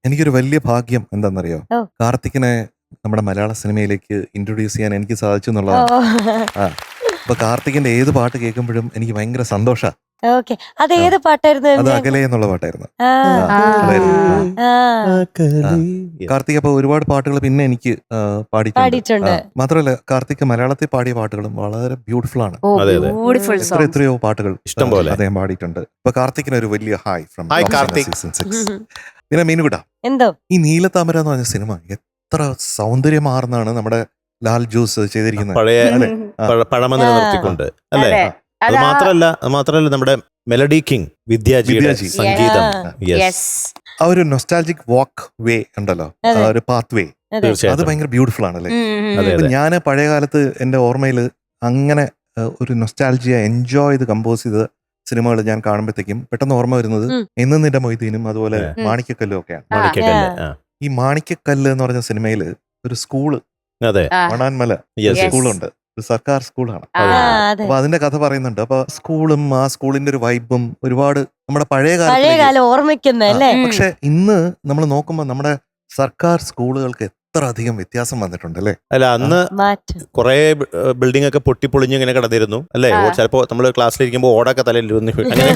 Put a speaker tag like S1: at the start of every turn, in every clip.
S1: എനിക്കൊരു വലിയ ഭാഗ്യം എന്താണെന്നറിയോ?
S2: ഓ.
S1: കാർത്തിക്കിനെ നമ്മുടെ മലയാള സിനിമയിലേക്ക് ഇൻട്രൊഡ്യൂസ് ചെയ്യാൻ എനിക്ക് സാധിച്ചു എന്നുള്ളതാണ്. ആ അപ്പൊ കാർത്തിക്കിന്റെ ഏത് പാട്ട് കേൾക്കുമ്പോഴും എനിക്ക് ഭയങ്കര സന്തോഷാ.
S2: ഓക്കെ, അത് ഏത് പാട്ടായിരുന്നു?
S1: അത് അകലെ എന്നുള്ള പാട്ടായിരുന്നു.
S2: ആ,
S1: അതായിരുന്നു.
S2: ആ,
S1: കാർത്തിക് അപ്പൊ ഒരുപാട് പാട്ടുകൾ പിന്നെ എനിക്ക് പാടിയിട്ടുണ്ട്.
S2: പാടിയിട്ടുണ്ട്.
S1: മാത്രമല്ല കാർത്തിക് മലയാളത്തിൽ പാടിയ പാട്ടുകളും വളരെ ബ്യൂട്ടിഫുൾ ആണ്.
S3: അതെ, അതെ.
S2: ബ്യൂട്ടിഫുൾ
S1: എത്രയോ പാട്ടുകൾ
S3: ഇഷ്ടം പോലെ.
S1: അദ്ദേഹം പാടിയിട്ടുണ്ട്. അപ്പൊ കാർത്തിക്കിന് ഒരു വലിയ hi from
S3: Hi, Karthik.
S1: Season 6. പിന്നെ മീനുകുട്ട,
S2: എന്തോ
S1: ഈ നീലത്താമര എന്ന് പറഞ്ഞ സിനിമ എത്ര സൗന്ദര്യമാർന്നാണ് നമ്മുടെ ലാൽ ജോസ് ചെയ്തിരിക്കുന്നത്.
S3: പഴയ
S1: അല്ലേ?
S3: പഴമ നിലനിർത്തിക്കൊണ്ട് അല്ലേ?
S4: അതെ.
S3: അത് മാത്രല്ല നമ്മുടെ മെലഡി കിങ് വിദ്യാജിയുടെ
S1: വിദ്യാജി.
S3: സംഗീതം. Yes.
S4: യെസ്.
S1: ആ ഒരു നൊസ്റ്റാൾജിക് വാക്ക് വേ ഉണ്ടല്ലോ, ആ
S2: അതെ.
S1: ഒരു പാത്ത് വേ, അത്
S3: തീർച്ചയായിട്ടും.
S1: ഭയങ്കര ബ്യൂട്ടിഫുൾ ആണല്ലേ.
S3: അതെ,
S1: അപ്പൊ
S3: അതെ.
S1: ഞാൻ പഴയ കാലത്ത് എൻ്റെ ഓർമ്മയിൽ അങ്ങനെ ഒരു നൊസ്റ്റാൾജിയ എൻജോയ് ചെയ്ത് കമ്പോസ് ചെയ്ത സിനിമകൾ ഞാൻ കാണുമ്പോഴത്തേക്കും പെട്ടെന്ന് ഓർമ്മ വരുന്നത്
S2: ഉം.
S1: എന്ന് നിന്റെ മൊയ്തീനും അതുപോലെ
S3: ഉം.
S1: മാണിക്കക്കല്ലും ഒക്കെയാണ്.
S3: മാണിക്കക്കല്ല്. ആ.
S1: ഈ മാണിക്കക്കല്ല് എന്ന് പറഞ്ഞ സിനിമയിൽ ഒരു സ്കൂള്
S3: അതെ.
S1: മണാൻമല
S3: Yes.
S1: സ്കൂളുണ്ട്, ഒരു സർക്കാർ സ്കൂളാണ്.
S2: ആ, അതെ.
S1: അപ്പൊ അതിന്റെ കഥ പറയുന്നുണ്ട്. അപ്പൊ സ്കൂളും ആ സ്കൂളിന്റെ ഒരു വൈബും ഒരുപാട് നമ്മുടെ പഴയ
S2: പഴയ
S1: കാലത്തിലേക്ക്.
S2: കാലം ഓർമ്മിക്കുന്ന അല്ലേ?
S1: പക്ഷെ ഇന്ന് നമ്മൾ നോക്കുമ്പോൾ നമ്മുടെ സർക്കാർ സ്കൂളുകൾക്ക് എത്ര അധികം വ്യത്യാസം വന്നിട്ടുണ്ട് അല്ലേ.
S3: അല്ല, അന്ന്
S2: മാറ്റം.
S3: കുറെ ബിൽഡിംഗ് ഒക്കെ പൊട്ടിപ്പൊളിഞ്ഞ് ഇങ്ങനെ കിടന്നിരുന്നു അല്ലേ? ചിലപ്പോ നമ്മള് ക്ലാസ്സിലിരിക്കുമ്പോൾ ഓടൊക്കെ തലയിലിരുന്ന്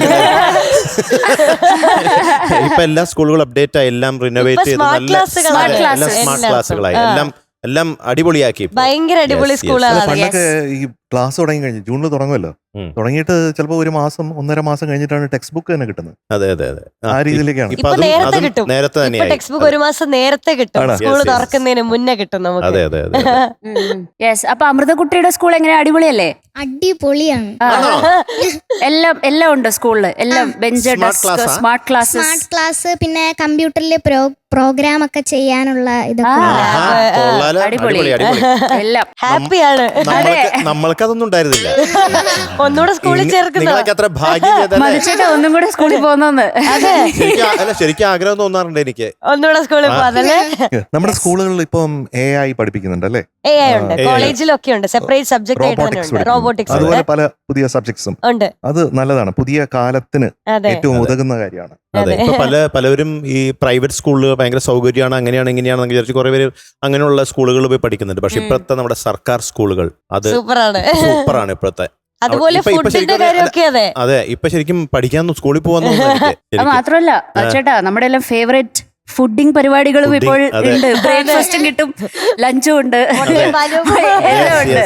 S3: ഇപ്പൊ എല്ലാ സ്കൂളുകളും അപ്ഡേറ്റ് ആയി, എല്ലാം റിനോവേറ്റ് ചെയ്ത്
S2: smart
S3: നല്ല
S2: classകളാണ്.
S3: അതെ, എല്ലാം
S4: Smart
S3: സ്മാർട്ട്
S2: classes.
S3: ക്ലാസ്സുകളായി,
S2: ആ.
S3: എല്ലാം അടിപൊളിയാക്കി ഇപ്പൊ.
S2: ഭയങ്കര അടിപൊളി
S3: Yes, yes.
S2: സ്കൂളാണ്.
S1: പണ്ടൊക്കെ ഈ ക്ലാസ് തുടങ്ങി കഴിഞ്ഞു, ജൂണിൽ തുടങ്ങുമല്ലോ,
S3: ഉം.
S1: തുടങ്ങിയിട്ട് ചിലപ്പോൾ ഒരു മാസം 1.5 മാസം കഴിഞ്ഞിട്ടാണ് ടെക്സ്റ്റ് ബുക്ക് തന്നെ കിട്ടുന്നത്.
S3: അതെ, അതെ, അതെ.
S1: ആ രീതിയിലേക്കാണ്.
S3: ഇപ്പൊ
S2: ഇപ്പൊ നേരത്തെ കിട്ടും.
S3: നേരത്തെ
S2: ഇപ്പൊ
S3: തന്നെയായി.
S2: ടെക്സ്റ്റ് ബുക്ക് ഒരു മാസം നേരത്തെ കിട്ടും.
S1: ആണോ?
S2: School
S3: Yes, yes.
S2: തുറക്കുന്നതിന് മുന്നേ കിട്ടും നമുക്ക്.
S3: അതെ, അതെ, അതെ.
S4: യെസ്. അപ്പൊ അമൃതകുട്ടിയുടെ സ്കൂൾ എങ്ങനെ, അടിപൊളിയല്ലേ?
S5: അടിപൊളിയാണ്.
S4: ആ. എല്ലാം ഉണ്ട് സ്കൂളില്. എല്ലാം ബെഞ്ച്,
S3: Smart
S4: ഡെസ്ക്,
S3: class ആ?
S4: Smart classes.
S5: സ്മാർട്ട് ക്ലാസ്, പിന്നെ കമ്പ്യൂട്ടറിൽ പ്രോഗ്രാം ഒക്കെ ചെയ്യാനുള്ള ഇതൊക്കെ
S4: ആ.
S5: ഉണ്ട്.
S3: ആഹാ, കൊള്ളാലോ.
S4: അടിപൊളി.
S3: അടിപൊളി, അടിപൊളി.
S4: എല്ലാം
S2: ഹാപ്പിയാണ്.
S3: നമ്മൾക്കതൊന്നും ഉണ്ടായിരുന്നില്ല.
S2: ഒന്നുകൂടെ സ്കൂളിൽ ചേർക്കുന്ന.
S3: നിങ്ങളൊക്കെ അത്ര ഭാഗ്യം ചെയ്തല്ലേ?
S4: മനുഷ്യന്റെ ഒന്നും കൂടെ സ്കൂളിൽ പോകുന്നോന്ന്.
S2: അതെ,
S3: ശരിക്കും ആഗ്രഹം തോന്നാറുണ്ട് എനിക്ക്.
S2: ഒന്നുകൂടെ സ്കൂളിൽ പോകാതല്ലേ.
S1: നമ്മുടെ സ്കൂളുകളിൽ ഇപ്പം AI പഠിപ്പിക്കുന്നുണ്ട് അല്ലേ.
S2: AI ഉണ്ട്,
S3: AI.
S2: കോളേജിലൊക്കെ ഉണ്ട്, സെപ്പറേറ്റ് സബ്ജക്ട് ആയിട്ട് തന്നെ
S1: റോബോട്ടിക്സ്
S2: ഉണ്ട്. റോബോട്ടിക്സ്
S1: അതുപോലെ
S2: ഉണ്ട്.
S1: പല പുതിയ സബ്ജക്ട്സും
S2: ഉണ്ട്.
S1: അത് നല്ലതാണ്, പുതിയ കാലത്തിന്
S2: അതെ,
S1: ഏറ്റവും
S3: അതെ.
S1: ഉതകുന്ന കാര്യമാണ്.
S3: അതെ, ഇപ്പൊ പലവരും ഈ പ്രൈവറ്റ് സ്കൂളിൽ ഭയങ്കര സൗകര്യമാണ്, അങ്ങനെയാണ് ഇങ്ങനെയാണെന്ന് വിചാരിച്ച് കുറെ പേര് അങ്ങനെയുള്ള സ്കൂളുകളിൽ പോയി പഠിക്കുന്നുണ്ട്. പക്ഷെ ഇപ്പോഴത്തെ നമ്മുടെ സർക്കാർ സ്കൂളുകൾ അത്
S2: സൂപ്പറാണ്.
S3: സൂപ്പറാണ് ഇപ്പോഴത്തെ.
S2: അതുപോലെ
S3: ഇപ്പൊ
S2: ഫുഡിന്റെ
S3: ശരിക്കും
S2: കാര്യമൊക്കെ അതെ.
S3: അതെ, ഇപ്പൊ ശരിക്കും പഠിക്കാൻ സ്കൂളിൽ പോകാൻ
S4: അത് മാത്രമല്ല ചേട്ടാ, നമ്മുടെ എല്ലാം ഫേവറേറ്റ് ഫുഡിംഗ് പരിപാടികളും
S3: Fooding,
S4: ഇപ്പോൾ
S3: അതെ.
S4: ഉണ്ട്. ബ്രേക്ക്ഫാസ്റ്റും കിട്ടും, ലഞ്ചും ഉണ്ട്,
S2: മുട്ടയും പാലും.
S4: എല്ലാം ഉണ്ട്.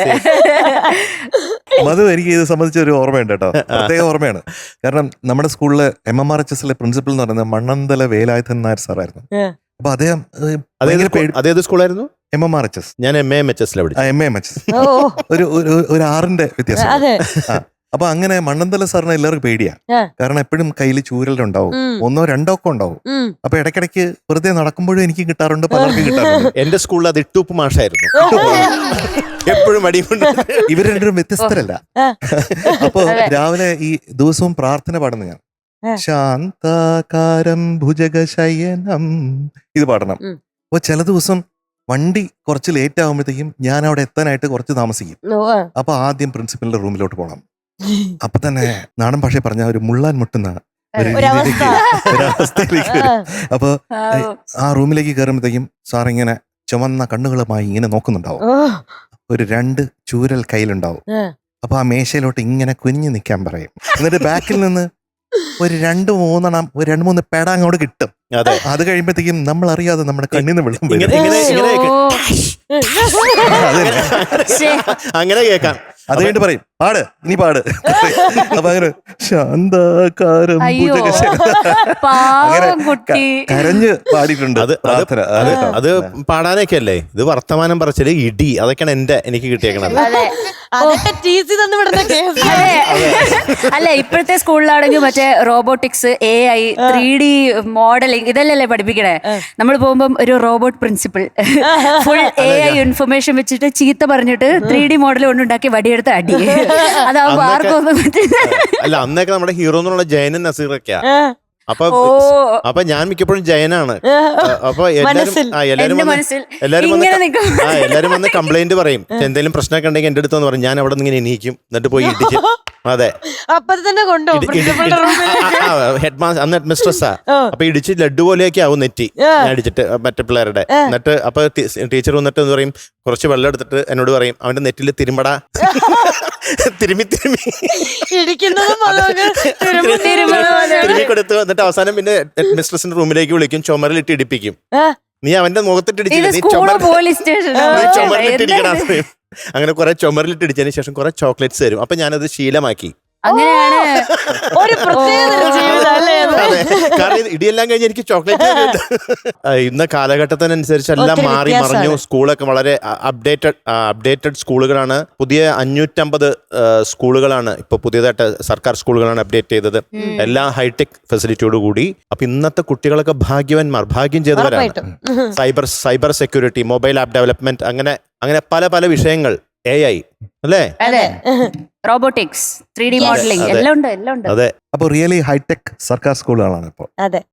S1: അത് എനിക്ക് ഇത് സംബന്ധിച്ച ഒരു ഓർമ്മയുണ്ട് കേട്ടോ, പ്രത്യേക ഓർമ്മയാണ്. കാരണം നമ്മുടെ സ്കൂളിലെ MMRHSലെ പ്രിൻസിപ്പൽ എന്ന് പറയുന്നത് മണ്ണന്തല വേലായുധൻ നായർ സാറായിരുന്നു. അപ്പൊ അദ്ദേഹം
S3: അതേത് സ്കൂളായിരുന്നു?
S1: MMRHS,
S3: ഞാൻ MAMHS പഠിച്ചു.
S1: MAMHS,
S2: ഓ,
S1: ഒരു 6ന്റെ വ്യത്യാസം.
S2: അതെ.
S1: അപ്പൊ അങ്ങനെ മണ്ണന്തല സാറിന് എല്ലാവർക്കും പേടിയാ.
S2: ആ.
S1: കാരണം എപ്പോഴും കയ്യിൽ ചൂരലുണ്ടാവും,
S2: ഉം.
S1: 1 or 2 ഒക്കെ ഉണ്ടാവും.
S2: ഉം.
S1: അപ്പൊ ഇടയ്ക്കിടയ്ക്ക് വെറുതെ നടക്കുമ്പോഴും എനിക്ക് കിട്ടാറുണ്ട്, പലർക്കും കിട്ടാറുണ്ട്.
S3: എന്റെ സ്കൂളിൽ അത് ഇട്ടൂപ്പ് മാഷായിരുന്നു. എപ്പോഴും അടിയുണ്ട്.
S1: ഇവർ രണ്ടും വ്യത്യസ്തരല്ല.
S2: ആ.
S1: അപ്പൊ രാവിലെ ഈ ദിവസവും പ്രാർത്ഥന പാടുന്ന ഞാൻ
S2: ആ.
S1: ശാന്താകാരം ഭുജഗശയനം ഇത് പാടണം.
S2: ഉം.
S1: അപ്പൊ ചില ദിവസം വണ്ടി കുറച്ച് ലേറ്റ് ആകുമ്പോഴത്തേക്കും ഞാൻ അവിടെ എത്താനായിട്ട് കുറച്ച് താമസിക്കും.
S2: ഓ, ആ.
S1: അപ്പൊ ആദ്യം പ്രിൻസിപ്പലിന്റെ റൂമിലോട്ട് പോകണം. അപ്പൊ തന്നെ നാടൻ ഭാഷ പറഞ്ഞ ഒരു മുള്ളാൻ മുട്ടുന്ന ഒരു
S2: ഒരവസ്ഥ.
S1: ഒരവസ്ഥയിലേക്ക് വരും. അപ്പൊ ആ റൂമിലേക്ക് കയറുമ്പോഴത്തേക്കും സാർ ഇങ്ങനെ ചുവന്ന കണ്ണുകളുമായി ഇങ്ങനെ നോക്കുന്നുണ്ടാവും.
S2: ഓ,
S1: ഒരു 2 ചൂരൽ കയ്യിലുണ്ടാവും.
S2: ആ.
S1: അപ്പൊ ആ മേശയിലോട്ട് ഇങ്ങനെ കുനിഞ്ഞു നിൽക്കാൻ പറയും. എന്നിട്ട് ബാക്കിൽ നിന്ന് ഒരു 2-3 പേട അങ്ങോട്ട് കിട്ടും.
S3: അതെ,
S1: അത് കഴിയുമ്പോഴത്തേക്കും നമ്മൾ അറിയാതെ നമ്മുടെ കണ്ണിന്ന് വെള്ളം വരും.
S3: അങ്ങനെ കേൾക്കാം.
S1: അത് കഴിഞ്ഞിട്ട് പറയും പാട്, ഇനി പാട്. അപ്പൊ അങ്ങനെ ശാന്താകാരം
S4: അയ്യോ,
S1: ഭുജഗശയനം.
S4: പാവം കുട്ടി.
S1: കരഞ്ഞ് പാടിയിട്ടുണ്ട്
S3: അത്
S1: പ്രാർത്ഥന.
S3: അത് അത് പാടാനൊക്കെ അല്ലേ ഇത്? വർത്തമാനം പറച്ചില്, ഇടി, അതൊക്കെയാണ് എനിക്ക് കിട്ടിയേക്കണത്.
S4: അതെ.
S2: അതൊക്കെ ടീച്ചി തന്നു വിടുന്ന കേസ്.
S4: അല്ല, ഇപ്പോഴത്തെ സ്കൂളിലാണെങ്കിൽ മറ്റേ റോബോട്ടിക്സ്, AI, 3D മോഡലിംഗ്, ഇതല്ലേ പഠിപ്പിക്കണേ. നമ്മൾ പോകുമ്പോൾ ഒരു robot principal full AI information വെച്ചിട്ട് ചീത്ത പറഞ്ഞിട്ട് 3D മോഡൽ കൊണ്ടുണ്ടാക്കി വടിയെടുത്ത് അടി. അതാവുമ്പോ ആർക്കും ഒന്നും പറ്റില്ല.
S3: അല്ല, അന്നൊക്കെ നമ്മുടെ ഹീറോ എന്നുള്ള ജയനും നസീറൊക്കെയാ. അപ്പൊ
S4: ഓ
S3: അപ്പൊ ഞാൻ മിക്കപ്പോഴും ജയനാണ്. അപ്പൊ
S2: മനസ്സിൽ.
S4: എന്റെ മനസ്സിൽ
S3: എല്ലാരും
S4: ഇങ്ങനെ നിൽക്കും.
S3: എല്ലാരും വന്ന് കംപ്ലൈന്റ് പറയും. എന്തെങ്കിലും പ്രശ്നമൊക്കെ ഉണ്ടെങ്കിൽ എന്റെ അടുത്ത് പറയും. ഞാൻ അവിടെ നിന്ന് ഇങ്ങനെ എണീക്കും, എന്നിട്ട് പോയി ഇടിച്ച്. അതെ,
S2: അപ്പൊ തന്നെ കൊണ്ടോ പ്രിൻസിപ്പളുടെ റൂമിൽ
S3: ഹെഡ് മാസ്റ്റർ അന്ന് ഹെഡ് മിസ്ട്രസ് അപ്പൊ ഇടിച്ച് ലഡ്ഡു പോലെയൊക്കെ ആവും നെറ്റി ഞാൻ ഇടിച്ചിട്ട് മറ്റേ പിള്ളേരുടെ. എന്നിട്ട് അപ്പൊ ടീച്ചർ വന്നിട്ട് എന്ന് പറയും, കുറച്ച് വെള്ളം എടുത്തിട്ട് എന്നോട് പറയും, അവന്റെ നെറ്റിൽ തിരുമ്പടാ. തിരുമ്മി
S2: ഇടിക്കുന്നതും
S3: തിരുമ്മി കൊടുത്തു. എന്നിട്ട് അവസാനം പിന്നെ ഹെഡ് മിസ്ട്രസിന്റെ റൂമിലേക്ക് വിളിക്കും, ചുമരിലിട്ട് ഇടിപ്പിക്കും. നീ അവന്റെ മുഖത്തിട്ട്
S4: ഇത്
S3: ഇടിച്ചില്ല, നീ
S4: സ്കൂളോ പോലീസ് സ്റ്റേഷൻ
S3: ചുമരിലിട്ട് ഇടിക്കണം. അങ്ങനെ കുറെ ചുമരിലിട്ട് ഇടിച്ചതിന് ശേഷം കുറെ ചോക്ലേറ്റ്സ് തരും. അപ്പൊ ഞാനത് ശീലമാക്കി.
S4: അങ്ങനെയാണ്.
S2: ഒരു പ്രത്യേക ജീവിതം അല്ലേ അത്?
S3: അതെ, കാരണം ഇത് ഇടിയെല്ലാം കഴിഞ്ഞ് എനിക്ക് ചോക്ലേറ്റ് ഇന്ന കാലഘട്ടത്തിനനുസരിച്ച് എല്ലാം
S2: ഒത്തിരി
S3: മാറി
S2: വ്യത്യാസമാണ്.
S3: മറിഞ്ഞു. സ്കൂളൊക്കെ വളരെ അപ്ഡേറ്റഡ് സ്കൂളുകളാണ്. പുതിയ 550 സ്കൂളുകളാണ് ഇപ്പൊ പുതിയതായിട്ട് സർക്കാർ സ്കൂളുകളാണ് അപ്ഡേറ്റ് ചെയ്തത്. എല്ലാം ഹൈടെക് ഫെസിലിറ്റിയോട് കൂടി. അപ്പൊ ഇന്നത്തെ കുട്ടികളൊക്കെ ഭാഗ്യം ചെയ്തവരാണ്. Cyber security, mobile app development, അങ്ങനെ പല വിഷയങ്ങൾ, AI അല്ലേ?
S4: അതെ, റോബോട്ടിക്സ്, 3D മോഡലിംഗ് എല്ലാം ഉണ്ട്.
S3: അതെ.
S1: അപ്പൊ റിയലി ഹൈടെക് സർക്കാർ സ്കൂളുകളാണ് ഇപ്പോൾ.
S2: അതെ.